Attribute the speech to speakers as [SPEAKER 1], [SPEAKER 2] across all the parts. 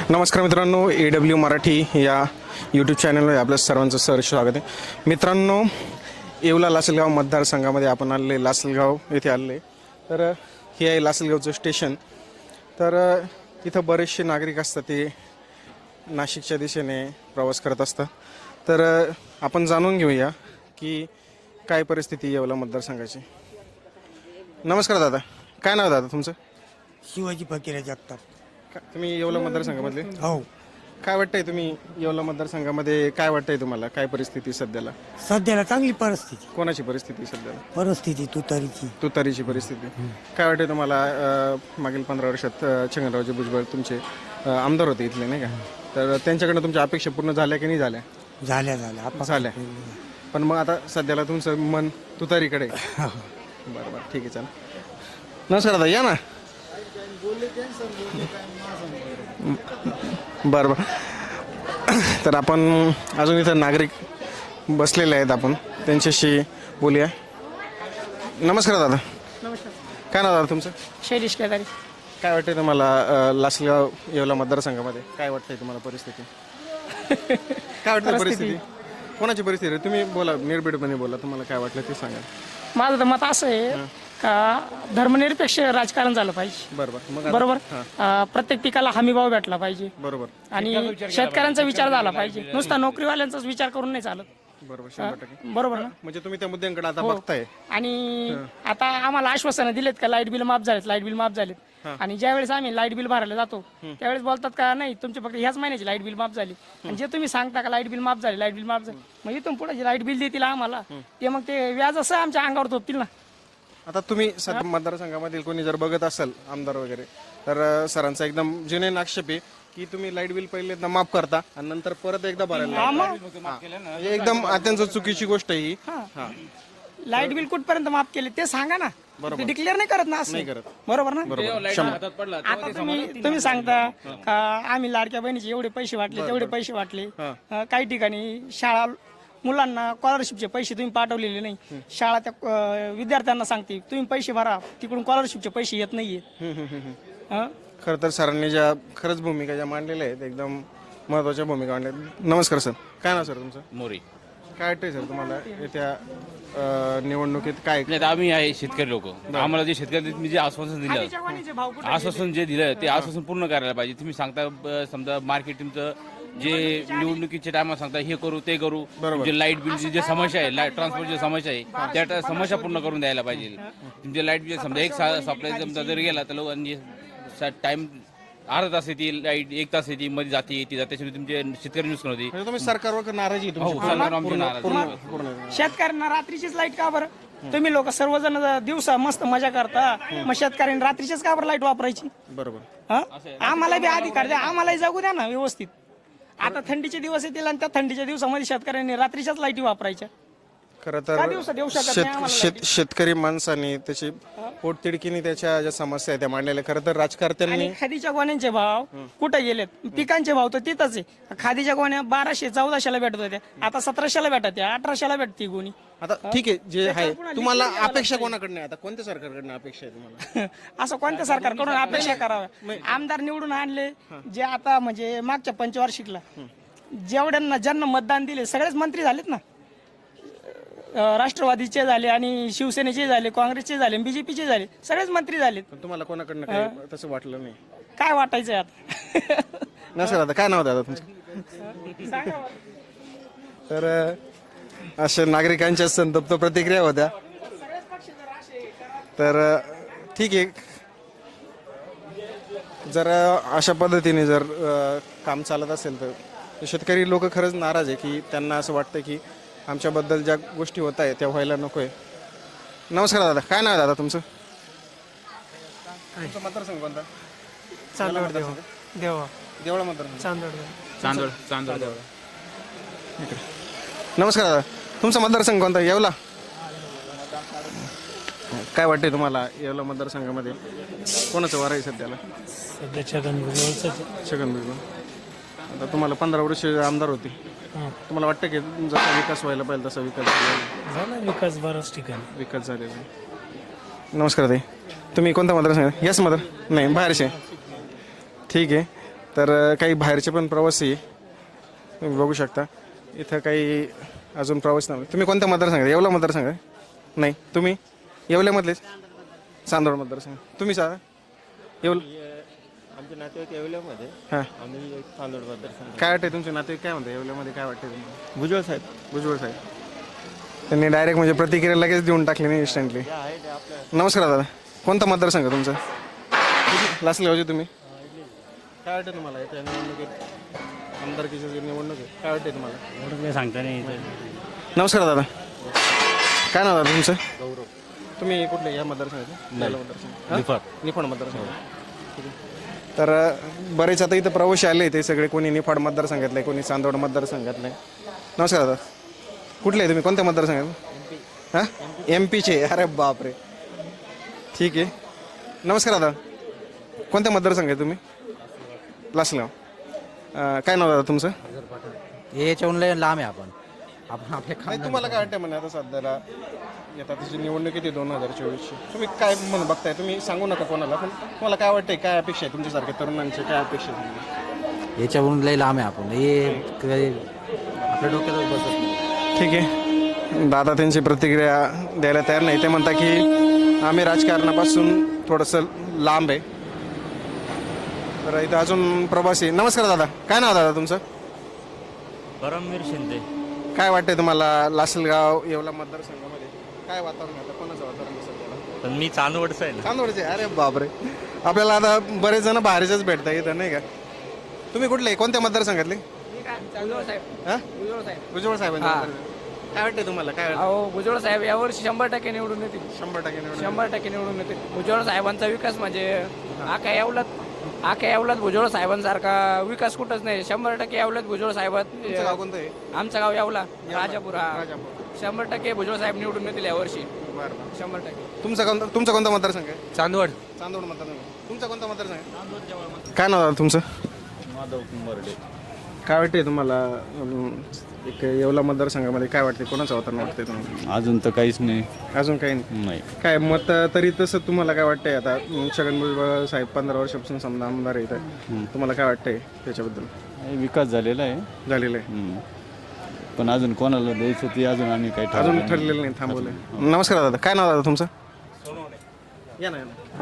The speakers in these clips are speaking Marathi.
[SPEAKER 1] नमस्कार मित्रांनो, AW मराठी या यूट्यूब चॅनलवर आपलं सर्वांचं सहर्ष स्वागत आहे. मित्रांनो, येवला लासलगाव मतदारसंघामध्ये आपण आलेले, लासलगाव येथे आलेले. तर हे आहे लासलगावचं स्टेशन. तर इथं बरेचसे नागरिक असतात, ते नाशिकच्या दिशेने प्रवास करत असतात. तर आपण जाणून घेऊया की काय परिस्थिती येवला मतदारसंघाची. नमस्कार दादा, काय नाव दादा तुमचं?
[SPEAKER 2] शिवाजी फकीर जगताप.
[SPEAKER 1] तुम्ही येवला मतदारसंघामधले?
[SPEAKER 2] हो.
[SPEAKER 1] काय वाटतंय, तुम्ही येवला मतदारसंघामध्ये काय वाटतंय तुम्हाला? काय परिस्थिती सध्याला?
[SPEAKER 2] सध्याला चांगली परिस्थिती.
[SPEAKER 1] कोणाची परिस्थिती सध्याला?
[SPEAKER 2] परिस्थिती तुतारीची.
[SPEAKER 1] तुतारीची परिस्थिती. काय वाटतंय तुम्हाला? मागील 15 वर्षात छगनरावजी भुजबळ तुमचे आमदार होते इथले, नाही का? तर त्यांच्याकडनं तुमच्या अपेक्षा पूर्ण झाल्या की नाही झाल्या?
[SPEAKER 2] झाल्या
[SPEAKER 1] झाल्या. पण मग आता सध्याला तुमचं मन तुतारीकडे आहे. बरं बरं, ठीक आहे, चालेल. नमस्कार दादा, या ना. बरं बरं. तर आपण अजून इथं नागरिक बसलेले आहेत, आपण त्यांच्याशी बोलूया. नमस्कार दादा.
[SPEAKER 3] नमस्कार.
[SPEAKER 1] काय नाव दादा तुमचं?
[SPEAKER 3] शैलेश केदारी.
[SPEAKER 1] काय वाटतंय तुम्हाला लासलगाव येवला मतदारसंघामध्ये काय वाटतंय तुम्हाला परिस्थिती? काय वाटतं परिस्थिती? कोणाची परिस्थिती? तुम्ही बोला, निर्भीडपणे बोला, तुम्हाला काय वाटलं ते सांगा.
[SPEAKER 3] माझं तर मत असं आहे का धर्मनिरपेक्ष राजकारण झालं पाहिजे.
[SPEAKER 1] बरोबर.
[SPEAKER 3] बरोबर. प्रत्येक पिकाला हमीभाव भेटला पाहिजे
[SPEAKER 1] बरोबर.
[SPEAKER 3] आणि शेतकऱ्यांचा विचार झाला पाहिजे. नुसता नोकरीवाल्यांचाच विचार करून नाही चालत.
[SPEAKER 1] बरोबर, 100%.
[SPEAKER 3] बरोबर ना?
[SPEAKER 1] म्हणजे तुम्ही त्या मुद्द्यांकडे आता बघताय.
[SPEAKER 3] आणि आता आम्हाला आश्वासनं दिलेत का लाईट बिल माफ झालेत. आणि ज्यावेळेस आम्ही लाईट बिल भरायला जातो त्यावेळेस बोलतात का नाही, तुमचे फक्त ह्याच महिन्याची लाईट बिल माफ झाली. आणि जे तुम्ही सांगता का लाईट बिल माफ झाले, मग इथून पुढे जे लाईट बिल देतील आम्हाला ते मग ते व्याज असं आमच्या अंगावर थोपतील ना.
[SPEAKER 1] आता तुम्ही सध्या मतदारसंघामधील कोणी जर बघत असाल आमदार वगैरे, तर सरांचा एकदम जुने आक्षेप आहे की तुम्ही लाईट बिल पहिले माफ करता आणि नंतर परत एकदा भरायला लावता. एकदम अत्यंत चुकीची गोष्ट आहे ही.
[SPEAKER 3] लाईट बिल कुठपर्यंत माफ केले ते सांगा ना. ते डिक्लेअर नाही करत ना, असं
[SPEAKER 1] नाही करत.
[SPEAKER 3] बरोबर ना?
[SPEAKER 1] बरोबर.
[SPEAKER 3] आता तुम्ही सांगता का आम्ही लाडक्या बहिणीचे एवढे पैसे वाटले, तेवढे पैसे वाटले. काही ठिकाणी शाळा मुलांना स्कॉलरशिपचे पैसे तुम्ही पाठवलेले नाही. शाळा त्या विद्यार्थ्यांना सांगते तुम्ही पैसे भरा, तिकडून स्कॉलरशिपचे पैसे येत नाहीये.
[SPEAKER 1] खरं तर सरांनी ज्या खरंच भूमिका ज्या मांडलेल्या आहेत, एकदम महत्वाच्या भूमिका मांडल्या. नमस्कार सर, काय नाव सर तुमचं?
[SPEAKER 4] मोरी.
[SPEAKER 1] काय वाटतंय सर तुम्हाला येत्या निवडणुकीत काय?
[SPEAKER 4] नाही, आम्ही आहे शेतकरी लोक. आम्हाला जे शेतकरी जे आश्वासन दिलं, आश्वासन जे दिलं ते आश्वासन पूर्ण करायला पाहिजे. तुम्ही सांगता समजा मार्केट तुमचं जे निवडणुकीच्या टायमात सांगता हे करू ते करू, जे लाईट बिलची जे समस्या आहे, लाईट ट्रान्सपोर्टची समस्या आहे, त्या समस्या पूर्ण करून द्यायला पाहिजे. तुमचे लाईट बिल समजा एक सप्लाय समजा जर गेला तर टाइम अर्धा तास येते लाईट, 1 तास येते, मध्ये जाते त्याच्यामुळे तुमचे शेतकरी नुकसान होते.
[SPEAKER 1] म्हणजे तुम्ही सरकारवर नाराजी आहे तुमची?
[SPEAKER 4] सरकार आमची नाराज.
[SPEAKER 3] शेतकऱ्यांना रात्रीचीच लाईट का बरं? तुम्ही लोक सर्वजण दिवसा मस्त मजा करता, मग शेतकऱ्यांनी रात्रीचीच का बरं लाईट वापरायची?
[SPEAKER 1] बरोबर.
[SPEAKER 3] आम्हाला बी अधिकार द्या, आम्हालाही जगू द्या ना व्यवस्थित. आता थंडीचे दिवस येतील आणि त्या थंडीच्या दिवसामध्ये शेतकऱ्यांनी रात्रीच्याच लाईटी वापरायच्या.
[SPEAKER 1] खरं तर शेतकरी माणसाने त्याची पोटतिडकीने त्याच्या ज्या समस्या आहेत त्या मांडलेल्या. खरं तर राजकारत्यांनी
[SPEAKER 3] खादीच्या गोण्यांचे भाव कुठे गेलेत? पिकांचे भाव तर तिथंच आहे. खादीच्या गोण्या 1200-1400ला भेटत होत्या, आता 1700ला भेटत, 1800ला भेटती गोणी.
[SPEAKER 1] आता ठीक आहे, जे आहे तुम्हाला अपेक्षा कोणाकडनं आहे? आता कोणत्या सरकारकडनं अपेक्षा आहे तुम्हाला?
[SPEAKER 3] असं कोणत्या सरकारकडून अपेक्षा कराव्या? आमदार निवडून आणले जे आता म्हणजे मागच्या पंचवार्षिकला जेवढ्यांना ज्यांना मतदान दिले सगळेच मंत्री झालेत ना. राष्ट्रवादीचे झाले आणि शिवसेनेचे झाले, काँग्रेसचे झाले, बीजेपीचे झाले, सगळेच मंत्री झालेत.
[SPEAKER 1] तुम्हाला कोणाकडनं काय तसं वाटलं नाही?
[SPEAKER 3] काय वाटायचंय आता?
[SPEAKER 1] नसेल. आता काय नाव दादा तुमचं? तर अशा नागरिकांच्या संतप्त प्रतिक्रिया होत्या. तर ठीक आहे, जर अशा पद्धतीने जर काम चालत असेल तर शेतकरी लोक खरंच नाराज आहे की त्यांना असं वाटतं की आमच्याबद्दल ज्या गोष्टी होत आहेत त्या व्हायला नको आहे. नमस्कार दादा, काय नाव आहे दादा तुमचं? मतदारसंघ कोणता?
[SPEAKER 3] चांदवड देवा.
[SPEAKER 1] देवळा मतदारसंघ.
[SPEAKER 4] चांदोड देवळा.
[SPEAKER 1] नमस्कार दादा, तुमचा मतदारसंघ कोणता? येवला. काय वाटते तुम्हाला येवला मतदारसंघामध्ये कोणाचं वार आहे सध्याला? छगन भुजबळ. आता तुम्हाला 15 वर्ष आमदार होते, तुम्हाला वाटतं की जसा विकास व्हायला पाहिजे तसा विकास
[SPEAKER 5] झाला? विकास बराच ठिकाणी
[SPEAKER 1] विकास झालेला आहे. नमस्कार ताई, तुम्ही कोणता मतदारसंघ? याच मतदार नाही, बाहेरचे. ठीक आहे. तर काही बाहेरचे पण प्रवासी तुम्ही बघू शकता. इथं काही अजून प्रवासी नाही. तुम्ही कोणत्या मतदारसंघात? येवला मतदारसंघ आहे? नाही. तुम्ही येवल्यामधलेच? चांदवड मतदारसंघ. तुम्ही सांगा येवला.
[SPEAKER 6] आमचे नातेवाईक येवल्यामध्ये,
[SPEAKER 1] हां,
[SPEAKER 6] आम्ही चांदोड मतदारसंघ.
[SPEAKER 1] काय वाटते तुमचे नातेवाईक काय म्हणतात येवल्यामध्ये? काय वाटते तुम्हाला?
[SPEAKER 6] भुजबळ साहेब
[SPEAKER 1] भुजबळ साहेब त्यांनी डायरेक्ट म्हणजे प्रतिक्रिया लगेच देऊन टाकली नाही इन्स्टंटली. नमस्कार दादा, कोणता मतदारसंघ तुमचा? लासलगावचे तुम्ही? काय वाटतं तुम्हाला येत्या निवडणुकीत, आमदारकीची जी निवडणूक आहे, काय वाटते तुम्हाला?
[SPEAKER 5] एवढं काही सांगता नाही.
[SPEAKER 1] नमस्कार दादा, काय नाव दादा तुमचं? गौरव. तुम्ही कुठले या मतदारसंघाचे? मतदारसंघ निफाड मतदारसंघ. ठीक आहे. तर बरेच आता इथं प्रवासी आले, ते सगळे कोणी निफाड मतदारसंघातले, कोणी चांदवड मतदारसंघातले. नमस्कार दादा, कुठले आहे तुम्ही? कोणत्या मतदारसंघात? हां, MP चे. अरे बापरे, ठीक आहे. नमस्कार दादा, कोणत्या मतदारसंघ आहे तुम्ही? लासलगाव. काय नाव दादा तुमचं?
[SPEAKER 7] याच्याहून लय लांब आहे आपण आपल्या
[SPEAKER 1] नाही, तुम्हाला काय वाटतं म्हणजे आता सध्याला येतात त्याची निवडणूक येते 2024ची, तुम्ही काय म्हणून बघताय? तुम्ही सांगू नका कोणाला, पण तुम्हाला काय वाटतंय, काय अपेक्षा आहे तुमच्यासारख्या तरुणांची, काय अपेक्षा आहे?
[SPEAKER 7] याच्याहून लय लांब आहे आपण, हे आपल्या डोक्यात बसत नाही.
[SPEAKER 1] ठीक आहे. दादा त्यांची प्रतिक्रिया द्यायला तयार नाही. ते म्हणता की आम्ही राजकारणापासून थोडंसं लांब आहे. तर इथं अजून प्रवासी. नमस्कार दादा, काय नाव दादा तुमचं?
[SPEAKER 5] परमवीर शिंदे.
[SPEAKER 1] काय वाटतंय तुम्हाला लासलगाव येवला मतदारसंघामध्ये काय वातावरण आहे? आता कोणाचं वातावरण आहे सध्याला?
[SPEAKER 5] पण मी चांदवडचा आहे ना.
[SPEAKER 1] चांदवडचे? अरे बापरे, आपल्याला आता बरेच जण बाहेरचेच भेटता इथं, नाही का? तुम्ही कुठले, कोणत्या मतदारसंघातले? हां, भुजबळ साहेबांचे मतदारसंघ. काय वाटतंय तुम्हाला? काय वाटतं?
[SPEAKER 3] अहो भुजबळ साहेब यावर्षी 100% निवडून येतील.
[SPEAKER 1] 100% निवडून.
[SPEAKER 3] 100% निवडून येतील. भुजबळ साहेबांचा विकास म्हणजे आख्या येवल्यात भुजबळ साहेबांसारखा विकास कुठंच नाही. 100% येवल्यात भुजबळ
[SPEAKER 1] तुमचं गाव
[SPEAKER 3] साहेब.
[SPEAKER 1] कोणतं आहे?
[SPEAKER 3] आमचं गाव येवला, राजापूर. हा,
[SPEAKER 1] राजापूर.
[SPEAKER 3] 100% भुजबळ साहेब निवडून येतील यावर्षी.
[SPEAKER 1] बरं.
[SPEAKER 3] 100%.
[SPEAKER 1] तुमचा कोणता मतदारसंघ आहे?
[SPEAKER 7] चांदवड.
[SPEAKER 1] चांदवड मतदारसंघ. तुमचा कोणता मतदारसंघ आहे? काय नाव दादा तुमचं?
[SPEAKER 6] माधव कुंभारडे.
[SPEAKER 1] काय वाटते तुम्हाला? एक येवला मतदारसंघामध्ये काय वाटते, कोणाचं वातावरण वाटतंय तुम्हाला?
[SPEAKER 6] अजून तर काहीच नाही.
[SPEAKER 1] अजून काही नाही.
[SPEAKER 6] नाही.
[SPEAKER 1] काय मत तरी तसं तुम्हाला काय वाटतंय? आता छगन भुजबळ साहेब 15 वर्षापासून समजा आमदार आहेत, तुम्हाला काय वाटतंय त्याच्याबद्दल?
[SPEAKER 6] विकास झालेला आहे.
[SPEAKER 1] झालेलं आहे,
[SPEAKER 6] पण अजून कोणाला द्यायचं ते अजून आम्ही काही
[SPEAKER 1] अजून ठरलेलं नाही, थांबवलंय. नमस्कार दादा, काय नाव दादा तुमचं? या ना, या ना.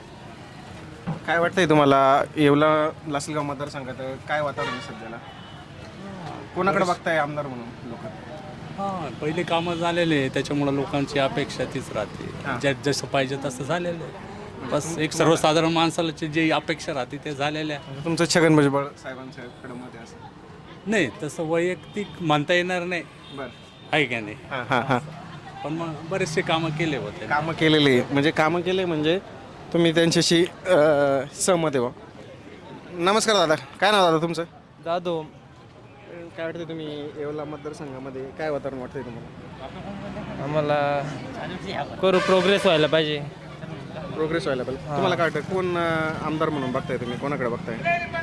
[SPEAKER 1] काय वाटतंय तुम्हाला येवला लासलगाव मतदारसंघात काय वातावरण आहे सध्याला? कोणाकडे बघताय आमदार म्हणून लोक?
[SPEAKER 5] हां, पहिले कामं झालेले आहे, त्याच्यामुळे लोकांची अपेक्षा तीच राहते. जसं पाहिजे तसं झालेलं आहे. बस एक सर्वसाधारण माणसाला जी अपेक्षा राहते ते झालेल्या आहे.
[SPEAKER 1] तुमचं छगन भुजबळ साहेबांच्याकडे मत आहे असं?
[SPEAKER 5] नाही, तसं वैयक्तिक म्हणता येणार नाही,
[SPEAKER 1] बरं.
[SPEAKER 5] आहे का नाही?
[SPEAKER 1] हां हां हां.
[SPEAKER 5] पण मग बरेचसे कामं केले होते.
[SPEAKER 1] कामं केलेली म्हणजे कामं केले म्हणजे तुम्ही त्यांच्याशी सहमत आहे बा. नमस्कार दादा, काय नाव दादा तुमचं?
[SPEAKER 7] जाधव.
[SPEAKER 1] काय वाटतं तुम्ही येवला मतदारसंघामध्ये काय वातावरण वाटतंय तुम्हाला?
[SPEAKER 7] आम्हाला प्रोग्रेस व्हायला पाहिजे.
[SPEAKER 1] प्रोग्रेस व्हायला पाहिजे. तुम्हाला काय वाटतं कोण आमदार म्हणून बघताय तुम्ही, कोणाकडे बघताय?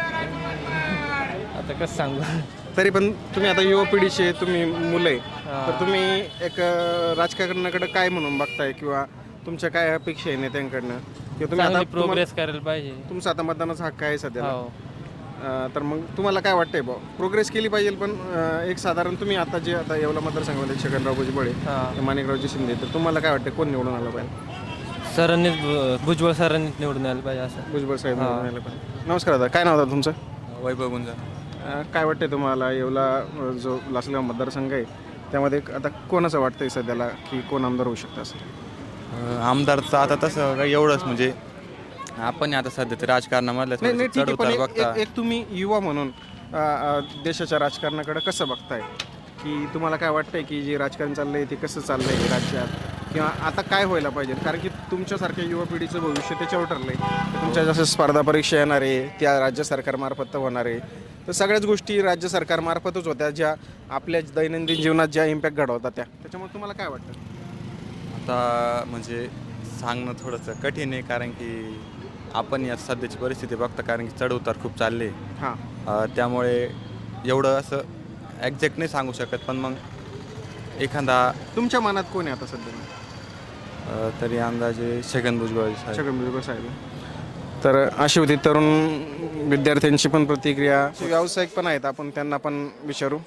[SPEAKER 7] आता कसं सांगू?
[SPEAKER 1] तरी पण तुम्ही आता युवा पिढीचे तुम्ही मुलं आहे, तर तुम्ही एक राजकारणाकडे काय म्हणून बघताय, किंवा तुमच्या काय अपेक्षा आहे नेत्यांकडनं, किंवा तुम्ही आता
[SPEAKER 7] प्रोग्रेस करायला पाहिजे.
[SPEAKER 1] तुमचा आता मतदानाचा हक्क आहे सध्या,
[SPEAKER 7] हो.
[SPEAKER 1] तर मग तुम्हाला काय वाटतंय बा? प्रोग्रेस केली पाहिजे, पण एक साधारण तुम्ही आता जे आता येवला मतदारसंघामध्ये छगनराव भुजबळ आहे, माणिकरावजी शिंदे, तर तुम्हाला काय वाटतं कोण निवडून आलं पाहिजे?
[SPEAKER 7] सरांनीच भुजबळ सरांनीच निवडून यायला पाहिजे असं.
[SPEAKER 1] भुजबळ साहेब निवडून आले पाहिजे. नमस्कार दादा, काय नाव दादा तुमचं?
[SPEAKER 6] वैभव गुंजा.
[SPEAKER 1] काय वाटतंय तुम्हाला येवला जो लासलगाव मतदारसंघ आहे त्यामध्ये आता कोणाचं वाटतंय सध्याला की कोण आमदार होऊ शकतं असं?
[SPEAKER 8] आमदारचं आता तसं काही एवढंच म्हणजे आपण आता सध्या ते राजकारणामधलं
[SPEAKER 1] नाही नाही, ठीक आहे, पण
[SPEAKER 8] चढ उतार बघता.
[SPEAKER 1] एक तुम्ही युवा म्हणून देशाच्या राजकारणाकडे कसं बघताय, की तुम्हाला काय वाटतंय की जे राजकारण चाललंय ते कसं चाललंय राज्यात, किंवा आता काय व्हायला पाहिजे? कारण की तुमच्यासारख्या युवा पिढीचं भविष्य त्याच्यावर ठरलंय. तुमच्या जसं स्पर्धा परीक्षा येणार आहे त्या राज्य सरकारमार्फत होणार आहे, तर सगळ्याच गोष्टी राज्य सरकारमार्फतच होत्या ज्या आपल्या दैनंदिन जीवनात ज्या इम्पॅक्ट घडवतात त्याच्यामुळे तुम्हाला काय वाटतं?
[SPEAKER 8] आता म्हणजे सांगणं थोडंसं कठीण आहे, कारण की आपण या सध्याची परिस्थिती बघता, कारण की चढ उतार खूप चालले.
[SPEAKER 1] हां,
[SPEAKER 8] त्यामुळे एवढं असं एक्झॅक्ट नाही सांगू शकत, पण मग एखादा
[SPEAKER 1] तुमच्या मनात कोण आहे आता सध्या?
[SPEAKER 8] तरी अंदाजे छगन भुजबळ साहेब.
[SPEAKER 1] छगन भुजबळ साहेब. तर अशी होती तरुण विद्यार्थ्यांची पण प्रतिक्रिया. व्यावसायिक पण आहेत, आपण त्यांना पण विचारू.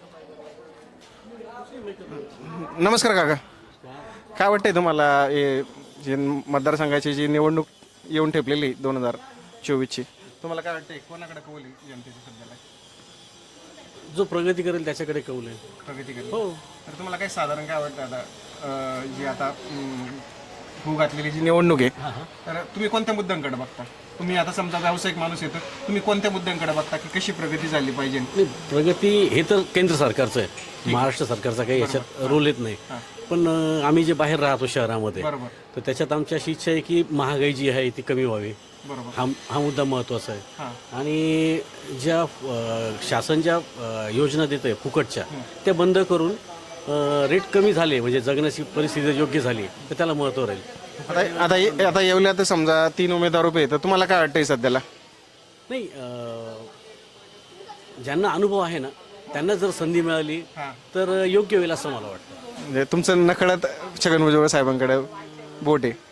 [SPEAKER 1] नमस्कार काका, काय वाटतंय तुम्हाला हे जे मतदारसंघाची जी निवडणूक येऊन ठेपलेली 2024ची, तुम्हाला काय वाटतंय कोणाकडे कौल आहे जनतेची सध्याला?
[SPEAKER 9] जो प्रगती करेल त्याच्याकडे कौल आहे.
[SPEAKER 1] प्रगती करेल. हो. तर तुम्हाला काय साधारण काय वाटतं आता जी आता होऊ घातलेली जी निवडणूक आहे, तर तुम्ही कोणत्या मुद्द्यांकडे बघता? तुम्ही आता समजा व्यावसायिक माणूस येतो, तुम्ही कोणत्या मुद्द्यांकडे बघता की कशी प्रगती झाली पाहिजे?
[SPEAKER 9] नाही, प्रगती हे तर केंद्र सरकारचं आहे, महाराष्ट्र सरकारचा काही याच्यात रोल येत नाही. पण आम्ही जे बाहेर राहतो शहरामध्ये,
[SPEAKER 1] बरोबर.
[SPEAKER 9] तर त्याच्यात आमची अशी इच्छा आहे की महागाई जी आहे ती कमी व्हावी.
[SPEAKER 1] बरोबर.
[SPEAKER 9] हा मुद्दा महत्त्वाचा आहे.
[SPEAKER 1] हां.
[SPEAKER 9] आणि ज्या शासन ज्या योजना देत आहे फुकटच्या, त्या बंद करून रेट कमी झाले म्हणजे जगण्याची परिस्थिती योग्य झाली तर त्याला महत्त्व राहील.
[SPEAKER 1] आता येवल्यात समजा 3 उमेदवार उभे आहेत, तर तुम्हाला काय वाटतंय सध्याला?
[SPEAKER 9] नाही, ज्यांना अनुभव आहे ना त्यांना जर संधी मिळाली तर योग्य होईल असं मला वाटतं.
[SPEAKER 1] म्हणजे तुमचं नकळत छगन भुजबळ साहेबांकडे बोट आहे?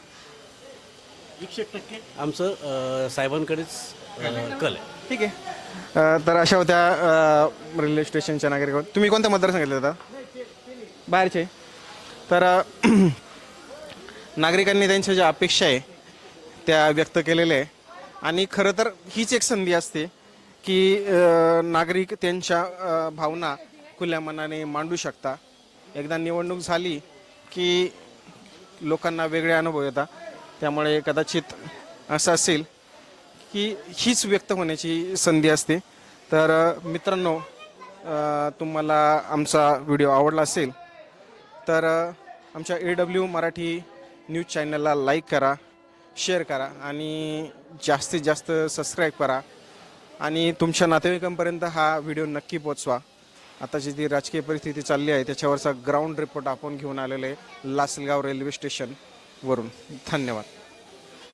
[SPEAKER 9] 100% आमचं साहेबांकडेच कल आहे.
[SPEAKER 1] ठीक आहे. तर अशा होत्या रेल्वे स्टेशनच्या नागरिक. तुम्ही कोणत्या मतदारसंघातले होता? बाहेरचे. तर नागरिकांनी त्यांच्या ज्या अपेक्षा आहे त्या व्यक्त केलेल्या आहे. आणि खरं तर हीच एक संधी असते की नागरिक त्यांच्या भावना खुल्या मनाने मांडू शकता. एकदा निवडणूक झाली की लोकांना वेगळे अनुभव येतात. त्यामुळे कदाचित असं असेल की हीच व्यक्त होण्याची संधी असते. तर मित्रांनो, तुम्हाला आमचा व्हिडिओ आवडला असेल तर आमच्या AW मराठी न्यूज चॅनलला लाईक करा, शेअर करा आणि जास्तीत जास्त सबस्क्राईब करा. आणि तुमच्या नातेवाईकांपर्यंत हा व्हिडिओ नक्की पोचवा. आताची जी राजकीय परिस्थिती चालली आहे त्याच्यावरचा ग्राउंड रिपोर्ट आपण घेऊन आलेलो आहे लासलगाव रेल्वे स्टेशनवरून. धन्यवाद.